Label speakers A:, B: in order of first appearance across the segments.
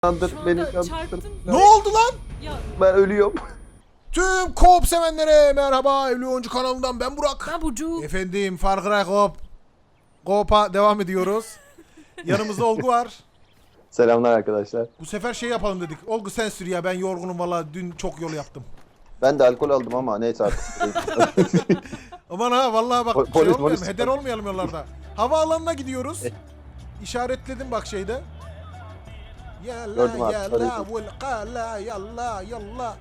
A: Kandır
B: Şu
A: beni
B: anda
A: kandır.
B: çarptın.
C: Ne oldu lan?
B: Ya
A: Ben ölüyorum.
C: Tüm co-op sevenlere merhaba. Evli Oyuncu kanalından ben Burak.
B: ben Burcu.
C: Efendim Far Cry Co-op. Co-op'a devam ediyoruz. Yanımızda Olgu var.
A: Selamlar arkadaşlar.
C: Bu sefer şey yapalım dedik. Olgu sen sür ya, ben yorgunum valla, dün çok yol yaptım.
A: Ben de alkol aldım ama neyse artık.
C: Aman ha vallahi bak
A: Polis,
C: şey olmayalım,
A: polis.
C: heder olmayalım yollarda. Havaalanına gidiyoruz. İşaretledim bak şeyde.
A: Gördüm
C: Yalla
A: abi,
C: yalla
A: sarıydı.
C: vel qala yalla yalla.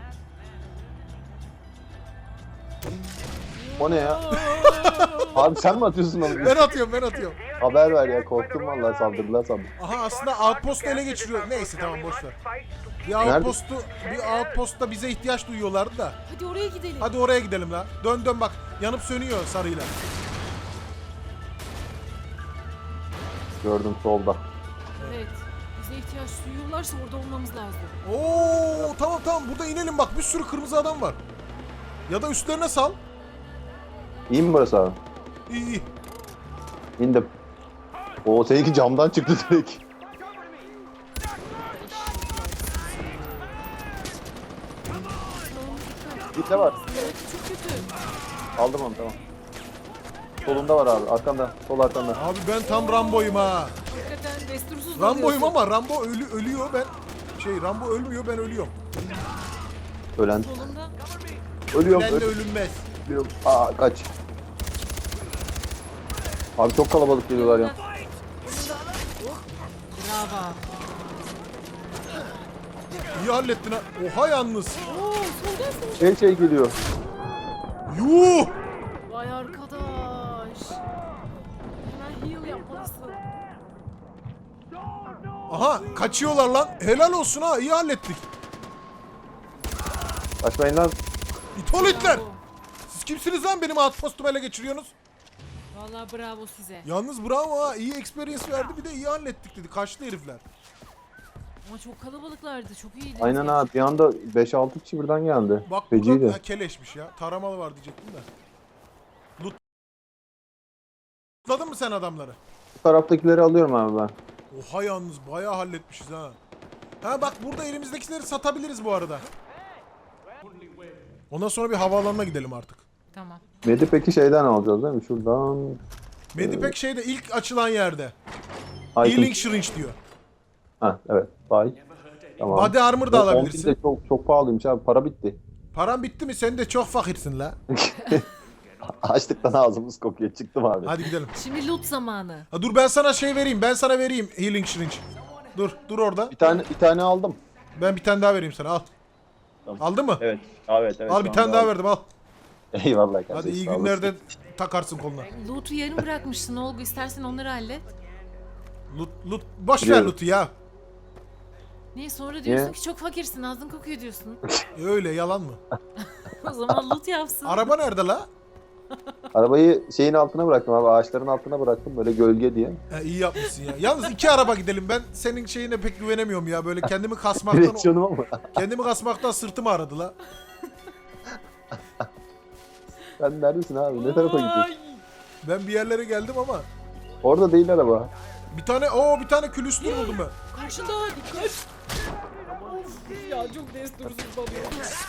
A: O ne ya? Abi sen mi atıyorsun onu?
C: Ben atıyorum.
A: Haber ver ya, korktum vallahi, saldırdılar sandım.
C: Aha aslında outpost'u ele geçiriyor. Neyse tamam boş ver.
A: Nerede?
C: Bir outpost'ta bize ihtiyaç duyuyorlardı da.
B: Hadi oraya gidelim.
C: Hadi oraya gidelim la. Dön bak. Yanıp sönüyor sarıyla.
A: Gördüm solda.
B: Evet. Bize ihtiyaç duyuyorlarsa orada olmamız lazım.
C: Oo tamam burada inelim bak. Bir sürü kırmızı adam var. Ya da üstlerine sal.
A: İyi mi burası abi?
C: İyi.
A: İndim. Oo, seninki camdan çıktı direkt. Bir de var.
B: Evet çok kötü.
A: Aldım onu, tamam. Solunda var abi, arkanda. Sol arkanda.
C: Abi ben tam Rambo'yum ha.
B: Hakikaten destursuz
C: Rambo'yum
B: dalıyorsun.
C: ama Rambo ölüyor, ben Rambo ölmüyor, ben ölüyorum.
A: Ölen.
B: Solunda.
A: Ölüyorum.
C: Ben de ölünmez.
A: Ölüyorum. Aa, kaç. Abi çok kalabalık geliyorlar ya.
B: Bravo.
C: İyi hallettin ha. Oha yalnız.
B: Oo soldasın.
A: Şey geliyor.
C: Yuh.
B: Vay arkadaş. Hemen heal yapmalısın.
C: Aha kaçıyorlar lan. Helal olsun ha, iyi hallettik.
A: Kaçmayın lan.
C: İtoletler.
B: Bravo.
C: Siz kimsiniz lan benim outpost'umu ele geçiriyorsunuz?
B: Vallahi bravo size.
C: Yalnız bravo ha, iyi experience verdi, bir de iyi hallettik dedi. Kaçtı herifler.
B: Ama çok kalabalıklardı. Çok iyiydi.
A: Aynen abi, bir anda 5-6 kişi birden geldi.
C: Bak
A: Feciydi.
C: burada keleşmiş ya. Taramalı var diyecektim de. Lootladın mı sen adamları?
A: Bu taraftakileri alıyorum abi ben.
C: Oha yalnız bayağı halletmişiz ha. Ha bak burada elimizdekileri satabiliriz bu arada. Ondan sonra bir havaalanına gidelim artık.
B: Tamam.
A: Medi peki şeyden alacağız değil mi? Şuradan.
C: Medipek şeyde ilk açılan yerde.
A: Item.
C: Healing Syringe diyor.
A: Ha evet. Bay. Tamam.
C: Body Armor da
A: Yok,
C: alabilirsin.
A: 10.000 de çok pahalıymış abi. Para bitti.
C: Paran bitti mi? Sen de çok fakirsin la.
A: Açlıktan ağzımız kokuyor. Çıktım abi.
C: Hadi gidelim.
B: Şimdi loot zamanı.
C: Ha, dur ben sana şey vereyim. Ben sana vereyim Healing Syringe. Dur orada.
A: Bir tane aldım.
C: Ben bir tane daha vereyim sana, al.
A: Tamam.
C: Aldın mı?
A: Evet. Evet.
C: Al bir tane daha verdim, al.
A: Eyvallah kardeşim.
C: Hadi iyi
A: sağ olasın.
C: günlerde takarsın koluna.
B: Loot'u yarım bırakmışsın Olgu. İstersen onları hallet.
C: Loot. Boş ver
A: Biliyorum.
C: loot'u ya.
B: Niye sonra diyorsun
A: Niye?
B: ki çok fakirsin, ağzın kokuyor diyorsun.
C: Öyle yalan mı?
B: O zaman loot yapsın.
C: Araba nerede la?
A: Arabayı şeyin altına bıraktım abi. Ağaçların altına bıraktım. Böyle gölge diye.
C: Ha, iyi yapmışsın ya. Yalnız 2 araba gidelim. Ben senin şeyine pek güvenemiyorum ya. Böyle kendimi
A: Direksiyonuma mı?
C: kasmaktan sırtım ağrıdı la.
A: Sen neredesin abi? Ne tarafa gidiyorsun?
C: Ben bir yerlere geldim ama.
A: Orada değil araba.
C: Bir tane külüstür buldum ben.
B: Karşında dikkat. Of ya çok destursuz dalıyor.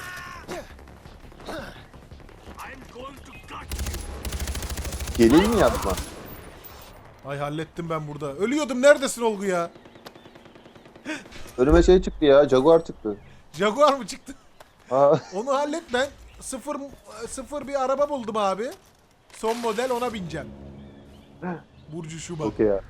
A: Geleyim mi yapma?
C: Ay hallettim ben burada. Ölüyordum, neredesin Olgu ya?
A: Önüme şey çıktı ya. Jaguar çıktı.
C: Jaguar mı çıktı?
A: Aa,
C: Onu hallet, ben sıfır bir araba buldum abi. Son model, ona bineceğim. Burcu şu bak.
A: okey ya.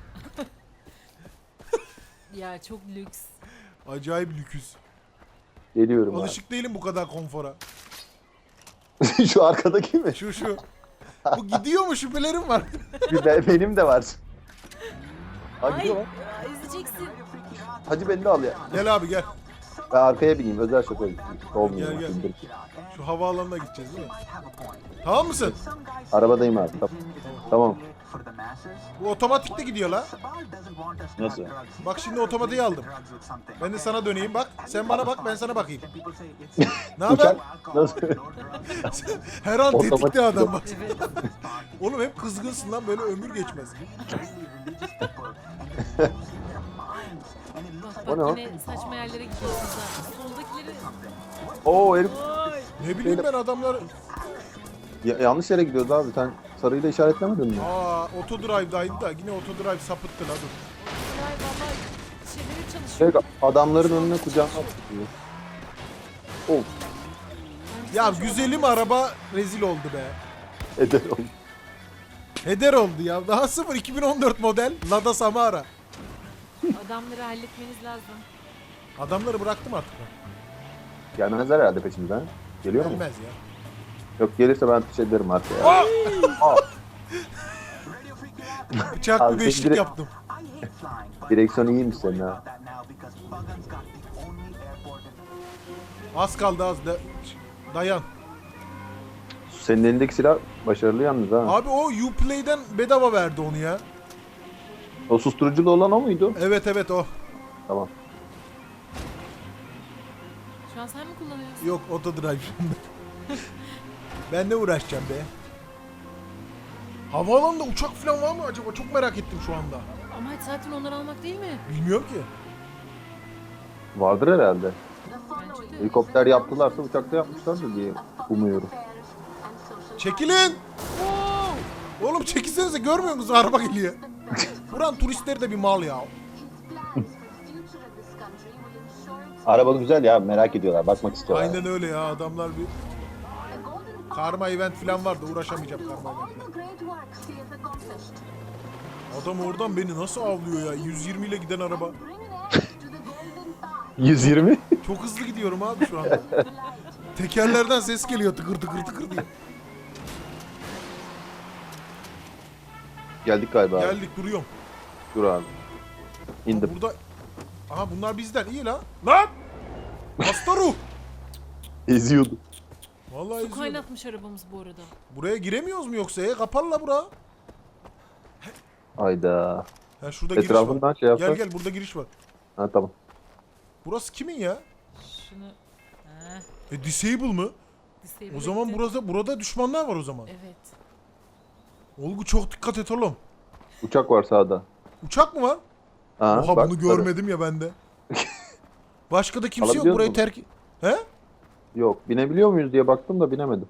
B: Ya çok lüks.
C: Acayip lüküs.
A: Geliyorum
C: Alışık değilim bu kadar konfora.
A: abi. Şu arkadaki mi?
C: Şu. Bu gidiyor mu, şüphelerim var.
A: Benim de var. Ha gidiyor lan.
B: Ezeceksin.
A: Hacı beni de al ya.
C: Gel abi gel.
A: Ben arkaya bineyim. Özel şoför. Olmuyor.
C: Gel. Şu havaalanına gideceğiz değil mi? Tamam mısın?
A: Arabadayım abi. Tamam.
C: Bu otomatikte gidiyor la.
A: Nasıl?
C: Bak şimdi otomatiği aldım. Ben de sana döneyim bak. Sen bana bak, ben sana bakayım. Ne haber?
A: Uçak nasıl?
C: Her an
A: Otomatik
C: tetikte adam bak.
B: Evet.
C: Oğlum hep kızgınsın lan, böyle ömür geçmez.
B: Bak bak
A: O ne
B: yine saçma yerlere gidiyorsunuz ha. Soldakileri...
A: Oo herif
B: Ay.
C: Ne bileyim ben adamlar.
A: yanlış yere gidiyoruz abi. Sen sarıyla işaretlemedin mi?
C: Aa, otodrive'daydı da yine otodrive sapıttı la dur.
B: Ay vallahi şeyleri çalışıyor.
A: Şey, adamların önüne kucağına atıyor. Oh.
C: Ya güzelim araba rezil oldu be.
A: Eder oldu.
C: Heder oldu ya. Daha 2014 model Lada Samara.
B: Adamları halletmeniz lazım.
C: Adamları bıraktım artık ben.
A: Gelmezler herhalde peşimden. Geliyor mu?
C: Gelmez ya.
A: Yok gelirse ben ateş ederim artık ya. Aa,
C: Bıçaklı
A: Abi,
C: beşlik
A: direkt-
C: yaptım.
A: direksiyon iyiymiş senin ha.
C: Az kaldı az da. Dayan.
A: Senin elindeki silah başarılı yalnız ha.
C: Abi o Uplay'den bedava verdi onu ya.
A: O susturuculu olan o muydu?
C: Evet evet o.
A: Tamam.
B: Şu an sen mi kullanıyorsun?
C: Yok otodrive şimdi. Ben ne uğraşacağım be? Havaalanında uçak falan var mı acaba? Çok merak ettim şu anda.
B: Ama zaten onları almak değil mi?
C: Bilmiyorum ki.
A: Vardır herhalde.
B: Bence de.
A: Helikopter yaptılarsa uçakta yapmışlardır diye umuyorum.
C: Çekilin! Oğlum çekilsenize görmüyor musunuz? Araba geliyor. Buran turistleri de bir mal ya.
A: Araba güzel ya, merak ediyorlar, bakmak istiyorlar.
C: Aynen öyle ya adamlar bir... Karma event falan vardı uğraşamayacağım karma eventle. Adam oradan beni nasıl avlıyor ya? 120 ile giden araba.
A: 120?
C: Çok hızlı gidiyorum abi şu anda. Tekerlerden ses geliyor tıkır tıkır tıkır diye.
A: Geldik galiba abi.
C: Geldik duruyorum.
A: Dur abi. İndim.
C: Burada... Aha bunlar bizden iyi lan. Lan! Hasta ruh!
A: Eziyordu.
C: Vallahi
B: Su
C: izliyorum.
B: kaynatmış arabamız bu arada.
C: Buraya giremiyoruz mu yoksa? Kapalı la bura.
A: Hayda.
C: Ha şurada giriş var.
A: Etrafından şey yapsak.
C: Gel gel burada giriş var.
A: Ha tamam.
C: Burası kimin ya?
B: Şunu... Heh,
C: Disable mı?
B: disable
C: O zaman
B: etti.
C: burada düşmanlar var o zaman.
B: Evet.
C: Olgu çok dikkat et oğlum.
A: Uçak var sağda.
C: Uçak mı var?
A: Ha,
C: Oha
A: bak,
C: bunu görmedim ya bende. Başka da kimse yok
A: Alabiliyor
C: burayı
A: musun?
C: terk... He?
A: Yok, binebiliyor muyuz diye baktım da binemedim.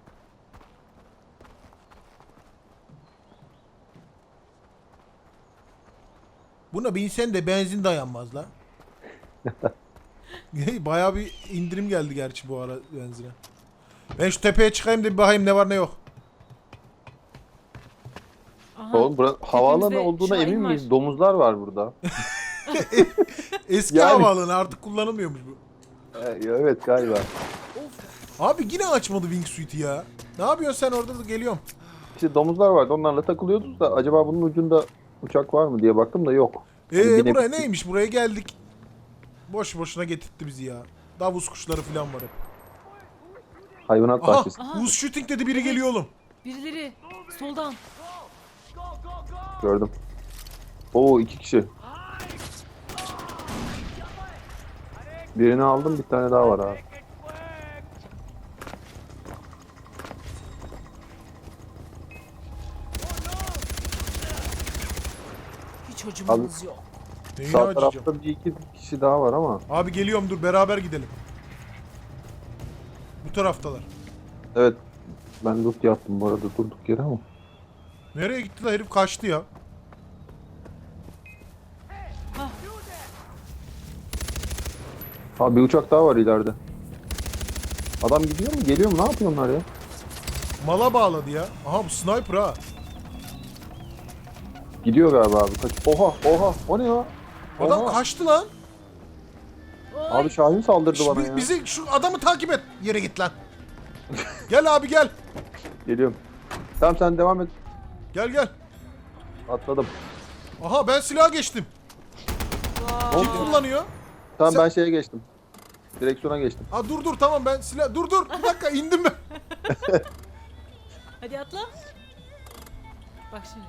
C: Buna binsen de benzin dayanmaz la. Bayağı bir indirim geldi gerçi bu ara benzine. Ben şu tepeye çıkayım da bir bakayım ne var ne yok.
B: Aha.
A: Oğlum havaalanı
B: Tepemizde
A: olduğuna
B: Şahin
A: emin
B: var.
A: miyiz? Domuzlar var burada.
C: Eski
A: Yani-
C: havaalanı artık kullanılmıyormuş bu.
A: Evet galiba.
C: Abi yine açmadı wingsuit'i ya. Ne yapıyorsun sen orada da geliyorum.
A: İşte domuzlar vardı, onlarla takılıyorduk da acaba bunun ucunda uçak var mı diye baktım da yok. Hani
C: Buraya neymiş? Buraya geldik. Boş boşuna getirtti bizi ya. Davus kuşları falan var hep.
A: Hayvanat
C: Aha!
A: bahçesi.
C: Buz shooting dedi biri geliyor oğlum.
B: Birileri soldan.
A: Gördüm. Oo 2 kişi. Birini aldım, bir tane daha var abi.
B: Hiç acımanız yok.
C: Neyini
A: Sağ
C: açacağım?
A: tarafta bir iki kişi daha var ama.
C: Abi geliyorum dur beraber gidelim. Bu taraftalar.
A: Evet. Ben loot yaptım bu arada durduk yere ama.
C: Nereye gitti la herif kaçtı ya.
A: Abi bir uçak daha var ileride. Adam gidiyor mu? Geliyor mu? Ne yapıyor onlar ya?
C: Mala bağladı ya. Aha bu sniper ha.
A: Gidiyor galiba abi. Kaç. Oha oha. O ne ya?
C: Adam
A: Oha.
C: kaçtı lan.
A: Abi Şahin saldırdı
C: Şş,
A: bana ya.
C: bizi şu adamı takip et. Yere git lan. Gel abi gel.
A: Geliyorum. Tamam sen devam et.
C: Gel gel.
A: Atladım.
C: Aha ben silaha geçtim. Kim kullanıyor?
A: Tamam
C: Sen-
A: ben şeye geçtim. Direksiyona geçtim.
C: Aa dur tamam ben silah... Dur bir dakika indim ben.
B: Hadi atla. Bak şimdi.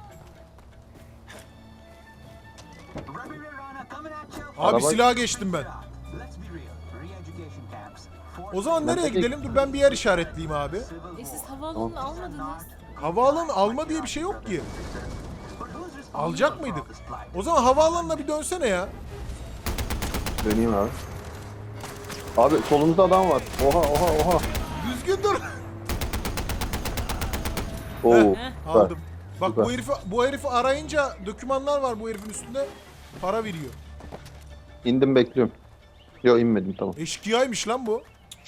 C: Abi
A: Araba-
C: silaha geçtim ben. O zaman nereye
A: Nereye
C: gidelim? Dur ben bir yer işaretleyeyim abi.
B: Siz havaalanını almadınız.
C: Havaalanı alma diye bir şey yok ki. Alacak mıydık? O zaman havaalanına bir dönsene ya.
A: Döneyim abi. Abi solumuzda adam var. Oha oha oha.
C: Düzgün dur.
A: Oo.
B: Heh.
A: süper.
C: Aldım. Bak
A: Süper.
C: bu herifi arayınca dokümanlar var bu herifin üstünde. Para veriyor.
A: İndim bekliyorum. Yo inmedim tamam.
C: Eşkıyaymış lan bu.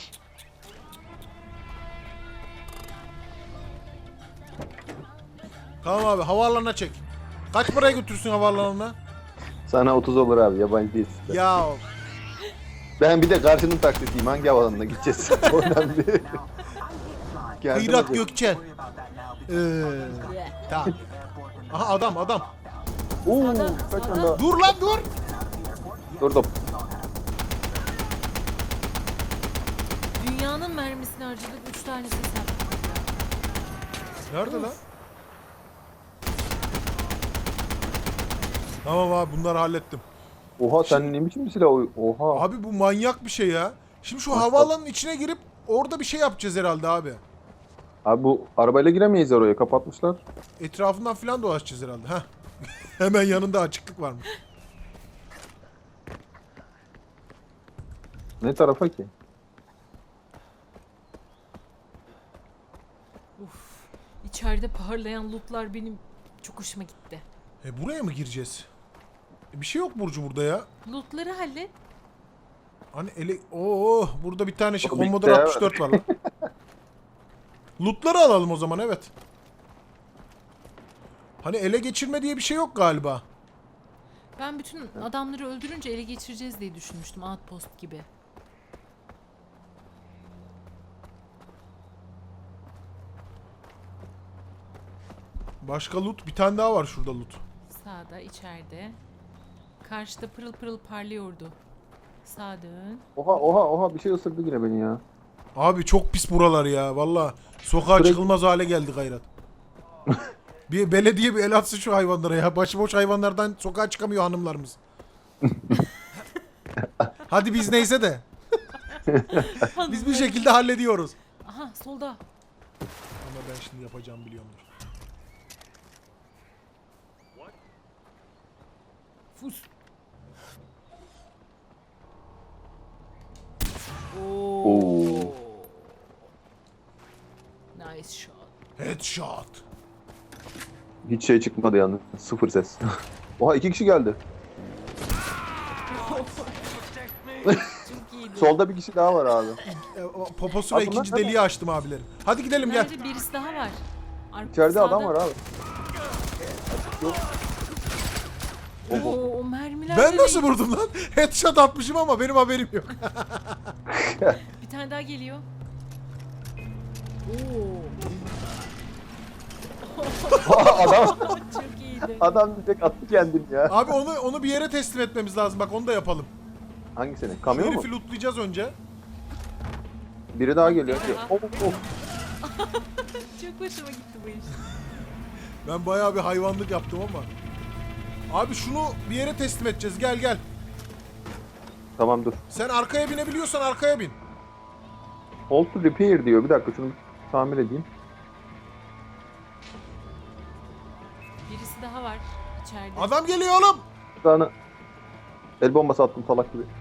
C: Tamam abi havaalanına çek. Kaç paraya götürsün havaalanına?
A: Sana 30 olur abi yabancı değilsin.
C: Ya
A: Ben bir de karşının taksitiyim. Hangi havalanına gideceğiz? O önemli. Geldim
C: Hıyrat
A: hadi.
C: Gökçen. Tamam. Aha adam.
A: Oo,
B: Sağda,
A: kaç
B: sağda.
A: anda?
C: Dur lan dur.
A: Durdum.
B: Dünyanın mermisini harcadık. 3 tanesi sen.
C: Nerede lan? Tamam abi bunları hallettim.
A: Oha sen ne biçim bir silah? Oha.
C: Abi bu manyak bir şey ya. Şimdi şu
A: Bak,
C: havaalanının içine girip orada bir şey yapacağız herhalde abi.
A: Abi bu arabayla giremeyiz oraya. Kapatmışlar.
C: Etrafından filan dolaşacağız herhalde. Heh. Hemen yanında açıklık varmış.
A: Ne tarafa ki?
B: İçeride parlayan lootlar benim çok hoşuma gitti.
C: Buraya mı gireceğiz? Bir şey yok Burcu burada ya.
B: Lootları hallet.
C: Hani burada bir tane şey
A: O
C: Commodore
A: bilgisayar
C: 64 var lan. Lootları alalım o zaman evet. Hani ele geçirme diye bir şey yok galiba.
B: Ben bütün adamları öldürünce ele geçireceğiz diye düşünmüştüm. Outpost gibi.
C: Başka loot bir tane daha var şurada loot.
B: Sağda, içeride. Karşıda pırıl pırıl parlıyordu. Sağa dön.
A: Oha oha oha bir şey ısırdı yine beni ya.
C: Abi çok pis buralar ya valla. Sokağa
A: Sürekli-
C: çıkılmaz hale geldi gayret. Bir belediye bir el atsın şu hayvanlara ya. Başıboş hayvanlardan sokağa çıkamıyor hanımlarımız. Hadi biz neyse de. Biz bir şekilde hallediyoruz.
B: Aha solda.
C: Ama ben şimdi yapacağım biliyorumdur.
B: Fus. Oo. Nice shot.
C: Headshot.
A: Hiç şey çıkmadı yalnız. Sıfır ses. Oha 2 kişi geldi.
B: Çok iyiydi.
A: Solda bir kişi daha var abi.
C: Poposuna
A: Abi bunlar
C: ikinci
A: ne
C: deliği açtım abilerim. Hadi gidelim gel.
B: Bence birisi daha var.
A: İçeride
B: Sağda.
A: adam var abi.
B: O mermiler
C: Ben
B: de
C: nasıl
B: değil.
C: vurdum lan? Headshot atmışım ama benim haberim yok.
B: Bir tane daha geliyor. Oo.
A: Adam
B: Çok iyiydi.
A: adam direkt attı kendini ya.
C: Abi onu bir yere teslim etmemiz lazım. Bak onu da yapalım.
A: Hangisini?
C: Şu
A: Kamyon mu?
C: herifi lootlayacağız önce.
A: Biri daha geliyor. Of, of.
B: Çok hoşuma gitti bu iş.
C: Ben bayağı bir hayvanlık yaptım ama. Abi şunu bir yere teslim edeceğiz. Gel.
A: Tamam dur.
C: Sen arkaya binebiliyorsan arkaya bin.
A: Hold to repair diyor. Bir dakika şunu tamir edeyim.
B: Birisi daha var içeride.
C: Adam geliyor oğlum.
A: Bir tane el bombası attım salak gibi.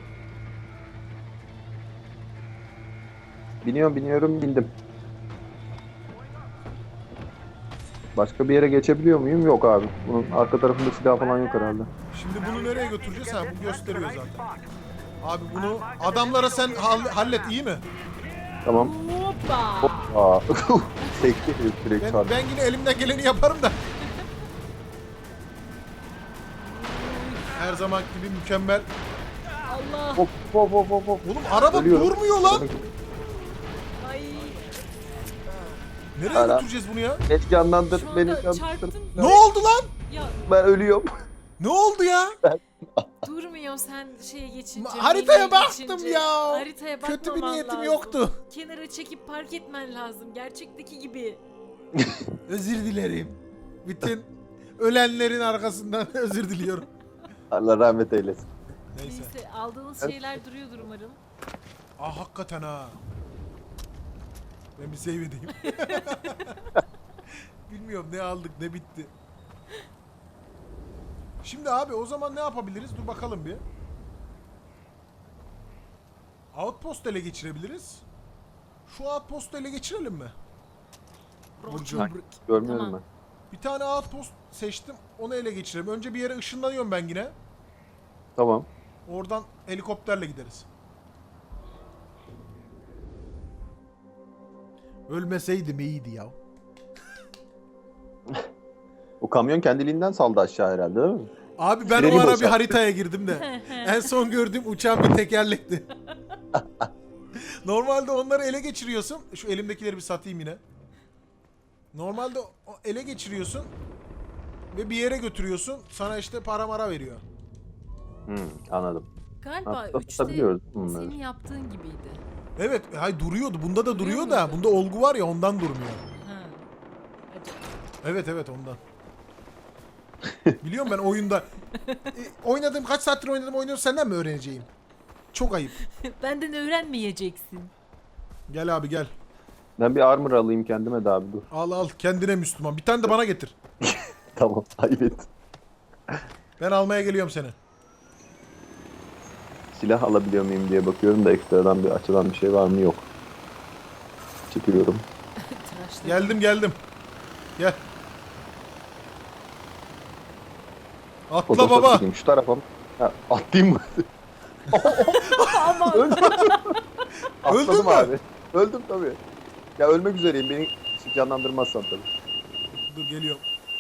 A: Biniyorum bindim. Başka bir yere geçebiliyor muyum? Yok abi. Bunun arka tarafında silah falan yok herhalde.
C: Şimdi bunu nereye götüreceğiz? Ha bu gösteriyor zaten. Abi bunu adamlara sen hallet iyi mi?
A: Tamam.
B: Hoppa.
A: Aa. Sekti herif direkt çarptı.
C: Ben yine elimden geleni yaparım da. Her zaman gibi mükemmel.
B: Allah.
A: Hop hop hop hop hop.
C: Oğlum araba
A: Ölüyorum.
C: durmuyor lan.
B: Ay.
C: Nereye
A: Hala.
C: götüreceğiz bunu ya?
A: Beni canlandır,
B: Şu
A: beni
B: anda
A: canlandır.
B: çarptım.
C: Ne oldu lan?
B: Ya
A: Ben ölüyorum.
C: Ne oldu ya?
B: durmuyor sen şeye geçince.
C: Haritaya
B: menüye
C: baktım
B: geçince.
C: ya.
B: Haritaya bakmaman
C: Kötü bir niyetim
B: lazım.
C: yoktu.
B: Kenara çekip park etmen lazım. Gerçekteki gibi.
C: Özür dilerim. Bütün ölenlerin arkasından özür diliyorum.
A: Allah rahmet eylesin.
C: Neyse.
B: Neyse aldığınız şeyler duruyordur umarım.
C: Ah hakikaten ha. Ben bir save edeyim. Bilmiyorum ne aldık ne bitti. Şimdi abi o zaman ne yapabiliriz? Dur bakalım bir. Outpost ele geçirebiliriz. Şu outpost'u ele geçirelim mi? Burcu.
A: Görmüyorum
B: Tamam.
C: Bir tane outpost seçtim. Onu ele geçirelim. Önce bir yere ışınlanıyorum ben yine.
A: ben. Tamam.
C: Oradan helikopterle gideriz. Ölmeseydim iyiydi ya.
A: O kamyon kendiliğinden saldı aşağı herhalde değil mi?
C: Abi ben
A: Freni
C: o ara bir
A: boşalttı.
C: haritaya girdim de. En son gördüğüm uçağın bir tekerlekti. Normalde onları ele geçiriyorsun. Şu elimdekileri bir satayım yine. Normalde ele geçiriyorsun ve bir yere götürüyorsun. Sana işte para mara veriyor.
A: Anladım.
B: Galiba
A: Aslında
B: 3'te
A: tutabiliyoruz bunları.
B: senin yaptığın gibiydi.
C: Evet, hay duruyordu. Bunda da duruyor da.
B: muydu?
C: Bunda olgu var ya ondan durmuyor.
B: Ha. Acaba.
C: Evet ondan. Biliyorum ben oyunda. Kaç saattir oynuyorum senden mi öğreneceğim? Çok ayıp.
B: Benden öğrenmeyeceksin.
C: Gel abi gel.
A: Ben bir armor alayım kendime de abi dur.
C: Al kendine Müslüman. Bir tane de bana getir.
A: Tamam ayıp et.
C: Ben almaya geliyorum seni.
A: Silah alabiliyor muyum diye bakıyorum da ekstradan bir açılan bir şey var mı yok. Çekiyorum.
B: Tıraşladım.
C: Geldim. Gel. Atla
A: Fotoğraf
C: baba.
A: çekeyim. Şu tarafa mı? Ha, atlayayım mı?
B: Aman.
A: Atladım
C: mü?
A: abi. Öldüm tabii. Ya ölmek üzereyim. Beni canlandırmazsan tabii.
C: Dur geliyorum.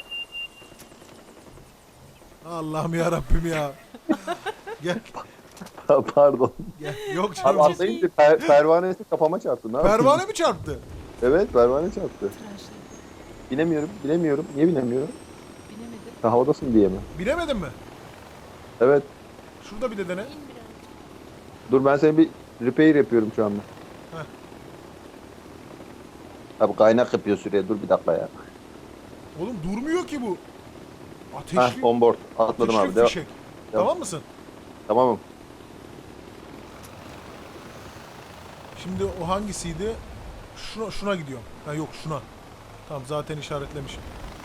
C: Allah'ım ya Rabbim ya. Gel.
A: Pardon.
C: Gel. Yok
A: Abi
C: canım.
A: atlayınca pervanesi kafama çarptı. Ne yapayım?
C: Pervane mi çarptı?
A: Evet pervane çarptı.
B: Tıraşladım.
A: Binemiyorum. Niye binemiyorum?
B: Binemedim.
A: Ha, havadasın diye mi?
C: Bilemedin mi?
A: Evet.
C: Şurada bir de dene.
B: İn biraz.
A: Dur ben seni bir repair yapıyorum şu anda.
C: Heh.
A: Abi kaynak yapıyor süreye. Dur bir dakika ya.
C: Oğlum durmuyor ki bu.
A: Ha
C: Ateşli,
A: on board. Atladım
C: ateşli
A: abi. Devam.
C: fişek. Tamam mısın?
A: Tamamım.
C: Şimdi o hangisiydi? Şuna gidiyorum. Ha yok şuna. Tamam zaten işaretlemişim.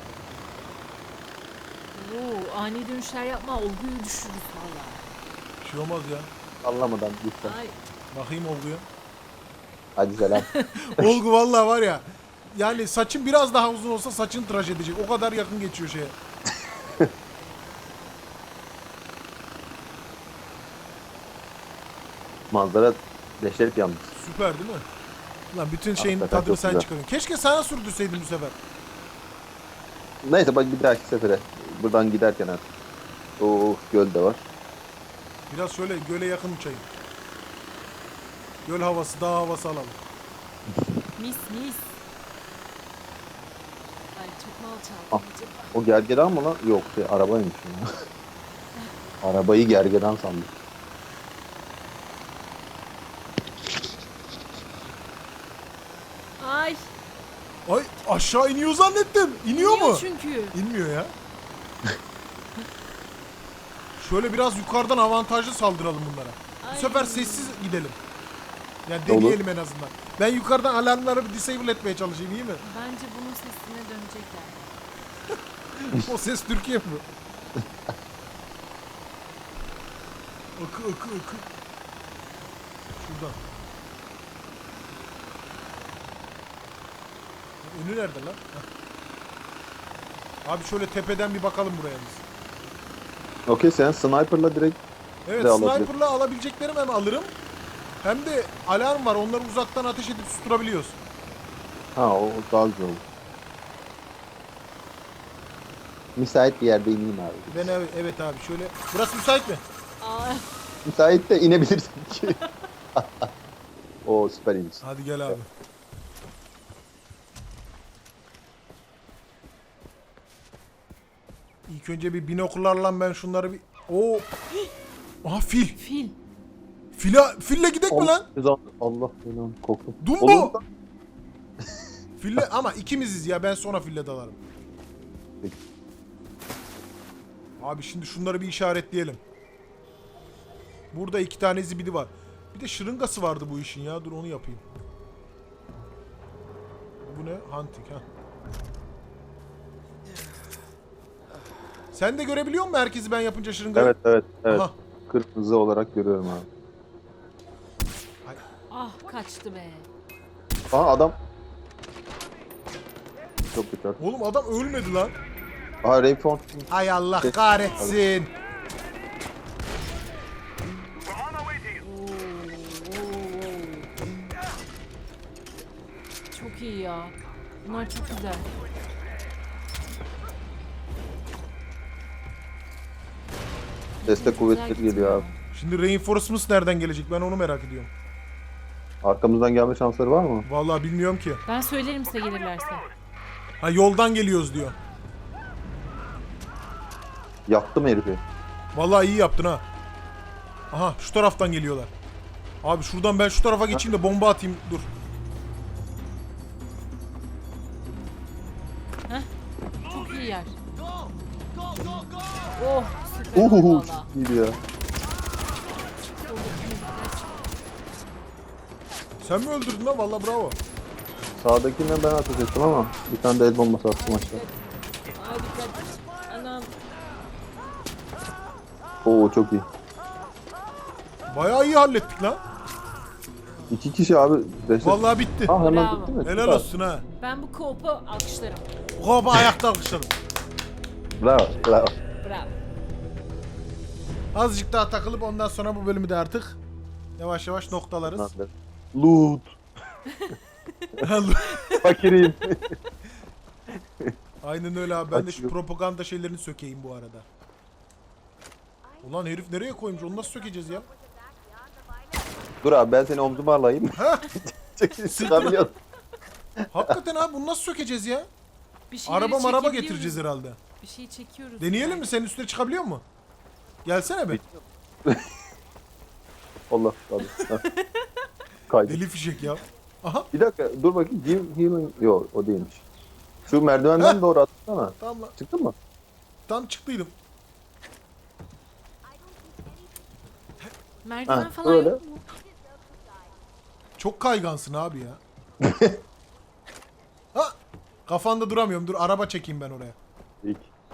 B: Oo, ani dönüşler yapma. Olguyu düşürürüz valla.
C: Bir şey olmaz ya.
A: Anlamadan lütfen.
B: Ay.
C: Bakayım olguya.
A: Hadi selam.
C: Olgu vallahi var ya. Yani saçın biraz daha uzun olsa saçını tıraş edecek. O kadar yakın geçiyor şeye.
A: Manzara dehşet yalnız.
C: Süper değil mi? Lan bütün şeyin
A: Hakikaten
C: tadını
A: çok
C: sen
A: güzel.
C: çıkarıyorsun. Keşke sana sürdürseydin bu sefer.
A: Neyse bak bir dahaki sefere. Buradan giderken artık. Oo göl de var.
C: Biraz şöyle göle yakın uçayım. Göl havası, dağ havası alalım.
B: Mis mis. Ay çok mal
A: Ah.
B: çaldım acaba.
A: O gergedan mı lan? Yok arabaymış ya. Arabayı gergedan sandım.
B: Ay.
C: Ay aşağı iniyor zannettim. İniyor mu?
B: çünkü.
C: İnmiyor ya. Şöyle biraz yukarıdan avantajlı saldıralım bunlara.
B: Ay.
C: Bu sefer sessiz gidelim. Yani
A: Olur.
C: deneyelim en azından. Ben yukarıdan alarmları bir disable etmeye çalışayım iyi mi?
B: Bence bunun sesine dönecekler.
C: O ses Türkiye mi? Akı. Şuradan. Önü nerede lan? Heh. Abi şöyle tepeden bir bakalım buraya biz.
A: Okey sen sniper'la direkt
C: Evet
A: de alabilir.
C: sniper'la alabileceklerim hem alırım. Hem de alarm var. Onları uzaktan ateş edip susturabiliyoruz.
A: ha o daha güzel olur. Müsait bir yerde ineyim abi.
C: Ben evet abi şöyle. Burası müsait mi?
B: Ay.
A: Müsait de inebilirsin ki. O süper iyiymiş.
C: Hadi gel abi. İlk önce bir binokullarla ben şunları bir... Oo. Aha fil.
B: Fil.
C: Fille gidek mi lan?
A: Allah belanı korktum.
C: Dumbo.
A: Olur da-
C: Fille ama ikimiziz ya ben sonra fille dalarım.
A: Peki.
C: Abi şimdi şunları bir işaretleyelim. Burada 2 tane zibidi var. Bir de şırıngası vardı bu işin ya. Dur onu yapayım. Bu ne? Hunting ha. Sen de görebiliyor musun herkesi ben yapınca şırıngayı?
A: Evet.
C: Aha.
A: Kırmızı olarak görüyorum abi.
B: Ah kaçtı be.
A: Aa adam. Çok kötü.
C: Oğlum adam ölmedi lan.
A: Aa Rayford.
C: Ay Allah kahretsin.
B: Çok iyi ya. Bunlar çok güzel.
A: Destek kuvvetleri
B: Güzel
A: geliyor abi.
C: Şimdi reinforcements nereden gelecek? Ben onu merak ediyorum.
A: Arkamızdan gelme şansları var mı?
C: Vallahi bilmiyorum ki.
B: Ben söylerim size gelirlerse.
C: Ha yoldan geliyoruz diyor.
A: Yaktım herifi.
C: Vallahi iyi yaptın ha. Aha şu taraftan geliyorlar. Abi şuradan ben şu tarafa geçeyim de bomba atayım. Dur.
B: Çok iyi yer. Oh süper
A: Uhuhu.
B: valla.
A: İyiydi ya.
C: Sen mi öldürdün lan? Vallahi bravo.
A: Sağdakinden ben ateş ettim ama bir tane de el bombası attım aşağı.
B: Ay dikkat. Anam.
A: Oo çok iyi.
C: Bayağı iyi hallettik lan.
A: 2 kişi abi. Destek.
C: Vallahi bitti.
A: Ha hemen
B: Bravo.
A: bitti mi?
C: Helal
A: Süper.
C: olsun ha.
B: Ben bu co-op'u alkışlarım.
C: Kopa ayakta alkışladım.
A: Bravo. Bravo.
B: Bravo.
C: Azıcık daha takılıp ondan sonra bu bölümü de artık yavaş yavaş noktalarız.
A: Loot. Fakirim.
C: Aynen öyle abi. Ben de şu
A: Açıyor.
C: propaganda şeylerini sökeyim bu arada. Ulan herif nereye koymuş? Onu nasıl sökeceğiz ya?
A: Dur abi ben seni omzuma alayım.
C: Ha?
A: Çekil çıkamıyorum.
C: Hakikaten abi bunu nasıl sökeceğiz ya?
B: Bir şeyleri
C: Araba
B: çekebiliyoruz.
C: getireceğiz herhalde.
B: Bir şey çekiyoruz.
C: Deneyelim mi? Senin üstüne çıkabiliyor mu? Gelsene be.
A: Allah abi. Kaydı.
C: Deli fişek ya. Aha
A: Bir dakika dur bakayım. Give healing. Yok o değilmiş. Şu merdivenden
C: Heh.
A: doğru atsana.
C: tamam lan.
A: Çıktın mı?
C: Tam çıktıydım.
B: Merdiven
A: Ha,
B: falan
A: öyle.
B: yok mu?
C: Çok kaygansın abi ya. Ha! Kafanda duramıyorum. Dur araba çekeyim ben oraya.
A: İlk.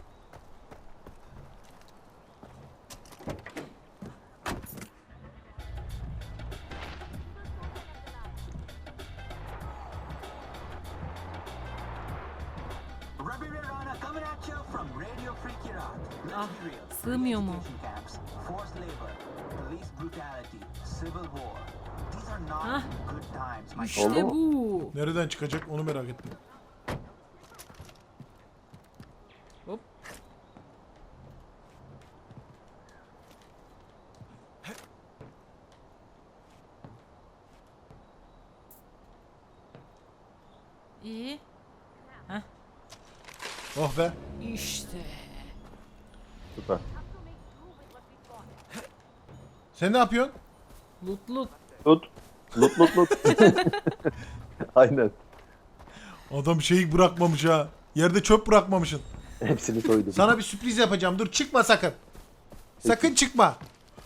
D: Ruby Ray Rana coming at you from Radio Free Iraq.
B: Ah,
D: Let's be real.
B: sığmıyor mu?
D: Re-education camps, forced labor, police brutality, civil war. These are not
B: Ah.
D: good times, my
B: İşte
A: Oldu mu?
B: bu.
C: Nereden çıkacak onu merak ettim.
B: Hop. İyi.
C: Oh be.
B: İşte.
A: Süper.
C: Sen ne yapıyorsun?
B: Lut lut.
A: Lut. Lut lut lut. Aynen.
C: Adam şeyi bırakmamış ha. Yerde çöp bırakmamışsın.
A: Hepsini soydum.
C: Sana bir sürpriz yapacağım. Dur çıkma sakın. Sakın çıkma.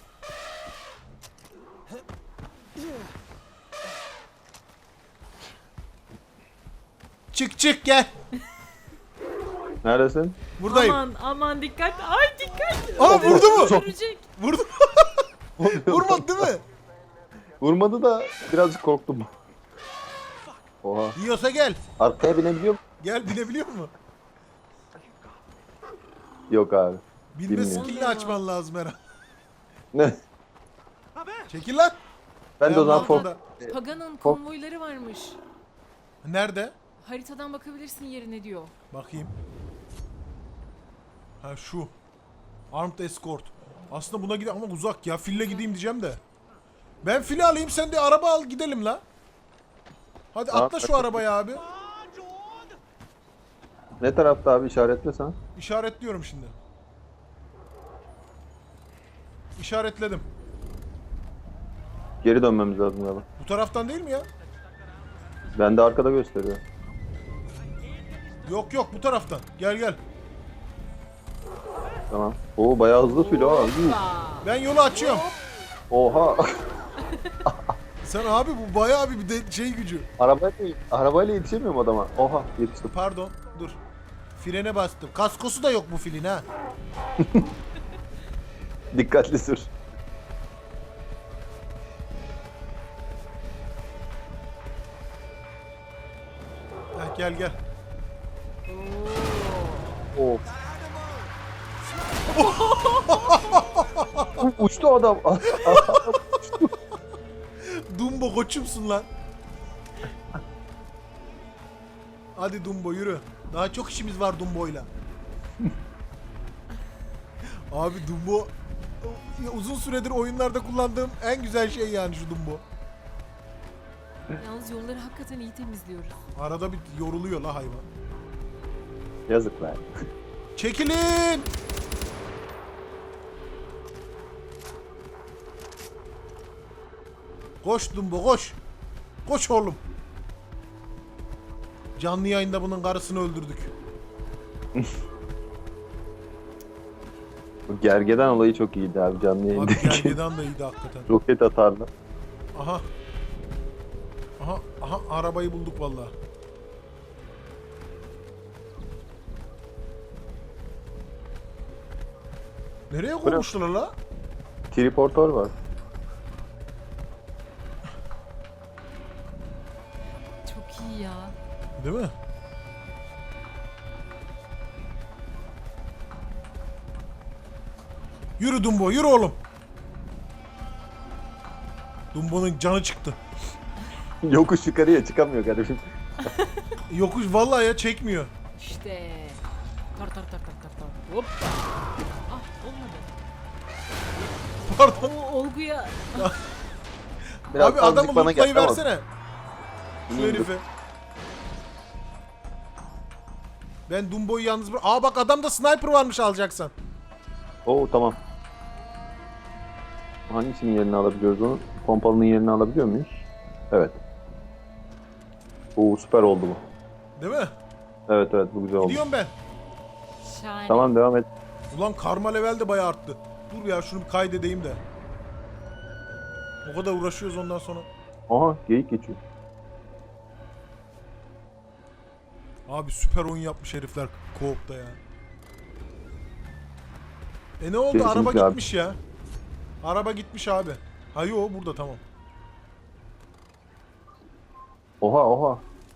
C: Çık çık gel.
A: Neredesin?
C: Buradayım.
B: Aman aman dikkat. Ay dikkat.
C: Aa vurdu mu?
B: Öldürecek.
C: Vurdu. Vurmadı değil mi?
A: Vurmadı da birazcık korktum. Oha.
C: Yiyorsa gel.
A: Arkaya binebiliyor musun?
C: Gel binebiliyor mu?
A: Yok abi.
C: Binme
A: Bilmiyorum.
C: skillini açman lazım herhalde.
A: Ne?
C: Çekil lan.
A: Ben de o zaman
C: Ayağımın
A: fok...
C: altında.
B: Pagan'ın konvoyları varmış.
C: Nerede?
B: Haritadan bakabilirsin yerine diyor.
C: Bakayım. Ha şu. Armed Escort. Aslında buna gidelim ama uzak ya. Fille gideyim diyeceğim de. Ben fili alayım sen de araba al gidelim la. Hadi
A: Tamam,
C: atla şu
A: hadi.
C: arabaya abi.
A: Ne tarafta abi işaretle sen?
C: İşaretliyorum şimdi. İşaretledim.
A: Geri dönmemiz lazım galiba.
C: Bu taraftan değil mi ya?
A: Ben de arkada gösteriyor.
C: Yok yok bu taraftan. Gel gel.
A: Tamam. Oo bayağı hızlı filo ha. Yuh.
B: Aa,
C: Ben yolu açıyorum.
A: Oha.
C: Sen abi bu bayağı bir de şey gücü.
A: arabayla yetişemiyorum adama. Oha yetiştim.
C: Pardon dur. Frene bastım. Kaskosu da yok bu filin ha.
A: Dikkatli sür.
C: Heh, gel gel.
A: Of. Uçtu adam.
C: Dumbo koçumsun lan. Hadi Dumbo yürü. Daha çok işimiz var Dumbo'yla. Abi Dumbo uzun süredir oyunlarda kullandığım en güzel şey yani şu Dumbo.
B: Yalnız yolları hakikaten iyi temizliyoruz.
C: Arada bir yoruluyor la hayvan.
A: Yazık lan.
C: Çekilin! Koş Dumbo koş. Koş oğlum. Canlı yayında bunun karısını öldürdük.
A: Bu gergedan olayı çok iyiydi abi canlı
C: Abi
A: yayındaki.
C: gergedan da iyiydi hakikaten.
A: Roket atardı.
C: Aha. Aha arabayı bulduk vallahi. Nereye koymuşlar la?
A: Triportör var.
B: Çok iyi ya.
C: Değil mi? Yürü Dumbo, yürü oğlum. Dumbo'nun canı çıktı.
A: Yokuş yukarıya çıkamıyor garibim.
C: Yokuş vallahi ya çekmiyor.
B: İşte. Tar tar tar tar tar tar. Hoppa. Ah olmadı.
C: Pardon.
B: O olguya.
A: Biraz
C: Abi adamı
A: azıcık bana
C: lootlayı
A: geldi ama.
C: versene. Şu
A: İndir.
C: herife. Ben Dumbo'yu yalnız bırak. Aa bak adamda sniper varmış alacaksan.
A: Oo tamam. Hangisinin yerini alabiliyoruz onu? Pompalının yerini alabiliyor muyuz? Evet. Oo süper oldu bu.
C: Değil mi?
A: Evet evet bu güzel oldu.
C: Gidiyorum ben.
B: Şahane.
A: Tamam devam et.
C: Ulan karma level de bayağı arttı. Dur ya şunu bir kaydedeyim de. O kadar uğraşıyoruz ondan sonra.
A: Aha geyik geçiyor.
C: Abi süper oyun yapmış herifler co-op'ta ya. Ne oldu?
A: Kesinlikle
C: Araba
A: abi.
C: gitmiş ya. Araba gitmiş abi. Ha yo burada tamam.
A: Oha oha.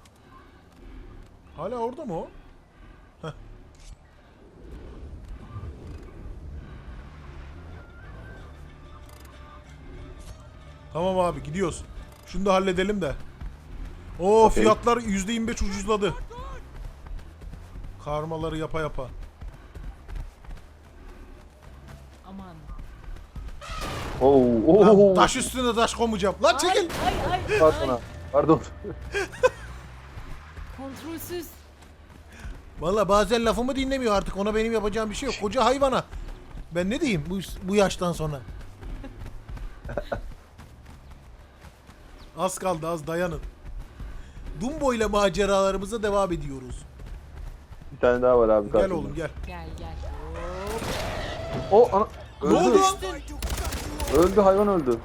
C: Hala orada mı o? Heh. Tamam abi gidiyoruz. Şunu da halledelim de. Oo
A: Okey.
C: fiyatlar %25 ucuzladı. Karmaları yapa yapa.
B: Aman.
A: Oo
C: Lan
A: oo.
C: taş üstüne taş koymayacağım. Lan çekil.
B: Ay.
A: Pardon ha. Pardon.
B: Kontrolsüz.
C: Valla bazen lafımı dinlemiyor artık. Ona benim yapacağım bir şey yok. Koca hayvana. Ben ne diyeyim bu yaştan sonra? Az kaldı az dayanın. Dumbo ile maceralarımıza devam ediyoruz.
A: Bir tane daha var abi
C: Gel
A: karşımda.
C: oğlum gel.
B: Gel gel.
A: O ana.
C: Ne
A: Öldü.
C: oldu?
A: Öldü hayvan öldü.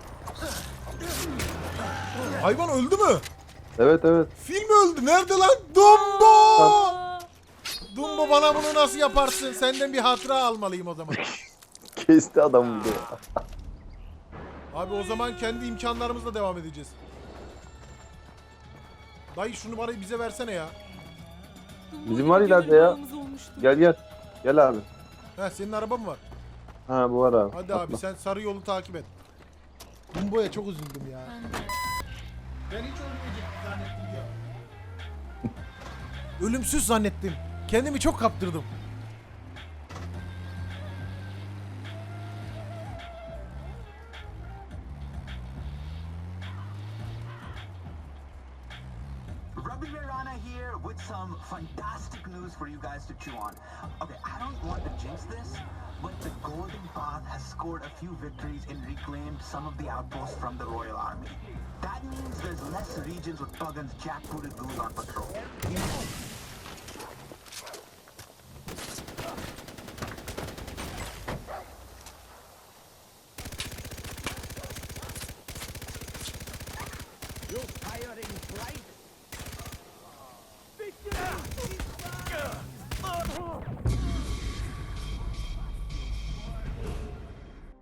C: Hayvan öldü mü?
A: Evet evet.
C: Film öldü. Nerede lan? Dumbo!
B: Aa,
C: Dumbo bana bunu nasıl yaparsın? Senden bir hatıra almalıyım o zaman.
A: Kesti adamı bir de.
C: Abi o zaman kendi imkanlarımızla devam edeceğiz. Dayı şunu bana bize versene ya.
A: Bizim var ileride ya. Gel gel. Gel abi.
C: Ha senin araba mı var?
A: Ha bu var abi.
C: Hadi
A: Atla.
C: abi sen sarı yolu takip et. Dumbo'ya çok üzüldüm ya. Ben hiç ölmeyecek zannettim ya. Ölümsüz zannettim. Kendimi çok kaptırdım.
D: Ruby Mirana here with some fantastic news for you guys to chew on. Okay, I don't want to jinx this, but the Golden Path has scored a few victories and reclaimed some of the outposts from the Royal Army. That means there's less regions with Puggan's jackbooted goons on patrol.